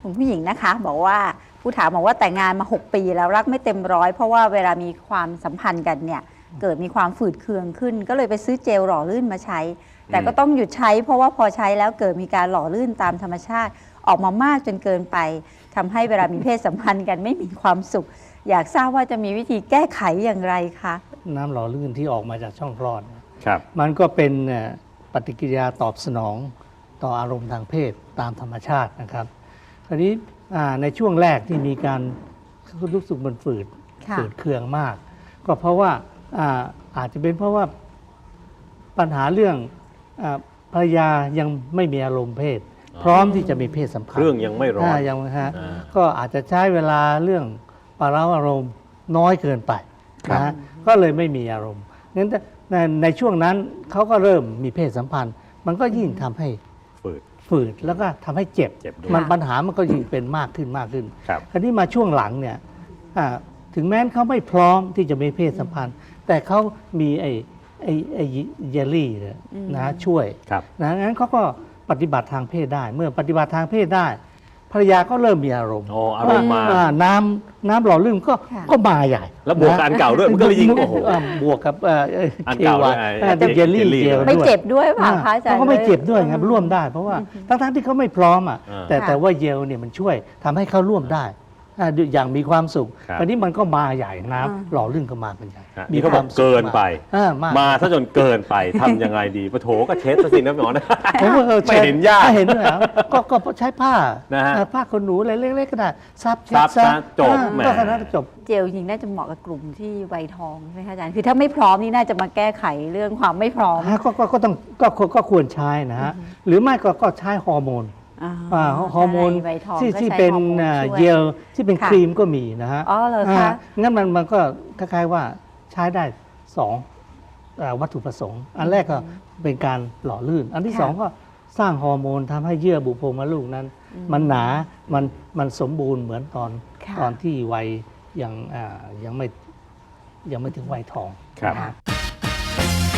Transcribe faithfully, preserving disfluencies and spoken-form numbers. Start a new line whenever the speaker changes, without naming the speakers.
คุณผู้หญิงนะคะบอกว่าผู้ถามบอกว่าแต่งงานมาหกปีแล้วรักไม่เต็มร้อยเพราะว่าเวลามีความสัมพันธ์กันเนี่ยเกิดมีความฝืดเคืองขึ้น ก็เลยไปซื้อเจลหล่อลื่นมาใช้ แต่ก็ต้องหยุดใช้เพราะว่าพอใช้แล้วเกิดมีการหล่อลื่นตามธรรมชาติออกมามากจนเกินไปทำให้เวลามีเพศสัมพันธ์กันไม่มีความสุข อยากทราบว่าจะมีวิธีแก้ไขอย่างไรคะ
น้ำหล่อลื่นที่ออกมาจากช่องคลอด
ครับ
มันก็เป็นปฏิกิริยาตอบสนองต่ออารมณ์ทางเพศตามธรรมชาตินะครับคราวนี้ในช่วงแรกที่มีการรู้สึกมันฝืดฝืดเคืองมากก็เพราะว่าอาอาจจะเป็นเพราะว่าปัญหาเรื่องภรรยายังไม่มีอารมณ์เพศพร้อมที่จะมีเพศสัมพันธ์
เครื่องยังไม่ร้อน
ยังฮะก็อาจจะใช้เวลาเรื่องปาระอารมณ์น้อยเกินไปนะก็เลยไม่มีอารมณ์นั้นในในช่วงนั้นเขาก็เริ่มมีเพศสัมพันธ์มันก็ยิ่งทำให้
ฝืด
ฝืดแล้วก็ทำให้เจ็บมันปัญหามันก็ยิ่งเป็นมากขึ้นมากขึ้นคราวนี้มาช่วงหลังเนี่ยถึงแม้เขาไม่พร้อมที่จะมีเพศสัมพันธ์แต่เขามีไอ้ไอ้ไอ้เยลลี่นะช่วยนะงั้นเขาก็ปฏิบัติทางเพศได้เมื่อปฏิบัติทางเพศได้ภรรยาก็เริ่มมีอารมณ์
อ๋ออารมณ์มา
น้ำน้ำหล่อลื่นก็ก็มาใหญ่
แล้วบวกกับอันเก่าด้วยมันก็เลยยิ่งโอ้โห
บวกกับ
อันเก่าด้วย
เยลลี่เจล
ไม่เจ็บด้วยป่ะคะอาจารย์
เขาก็ไม่เจ็บด้วยครับร่วมได้เพราะว่าทั้งๆที่เขาไม่พร้อมอ่ะแต่แต่ว่าเยลเนี่ยมันช่วยทำให้เขาร่วมได้อย่างมีความสุขตอนนี้มันก็มาใหญ่น้ำหล่อลื่นก็มาเป็นใหญ่
มีความเกินไปมาซะจนเกินไปทำยังไงดีปะโถก็เช็ดซะสินะหมอนะไม่เห็นยาก
เห็นด้วยก็ก็ใช้ผ้าผ้าขนหนูอะไรเล็กๆก็ได้ซับ
ซับจบแหม
ก็ขนาดจบ
เจลจริงน่าจะเหมาะกับกลุ่มที่วัยทองใช่ไหมคะอาจารย์คือถ้าไม่พร้อมนี่น่าจะมาแก้ไขเรื่องความไม่พร้อม
ก็ก็ต้องก็ก็ควรใช้นะฮะหรือไม่ก็ก็ใช้ฮอร์โมนฮอร์โมนที่ที่เป็นเจลที่เป็นครีมก็มีนะฮะ
อ๋อเหรอคะ
งั้นมันมันก็คล้ายๆว่าใช้ได้สองวัตถุประสงค์อันแรกก็เป็นการหล่อลื่นอันที่สองก็สร้างฮอร์โมนทำให้เยื่อบุโพรงมดลูกนั้นมันหนามันมันสมบูรณ์เหมือนตอนตอนที่วัยยังยังไม่ยังไม่ถึงวัยทอง
ครับ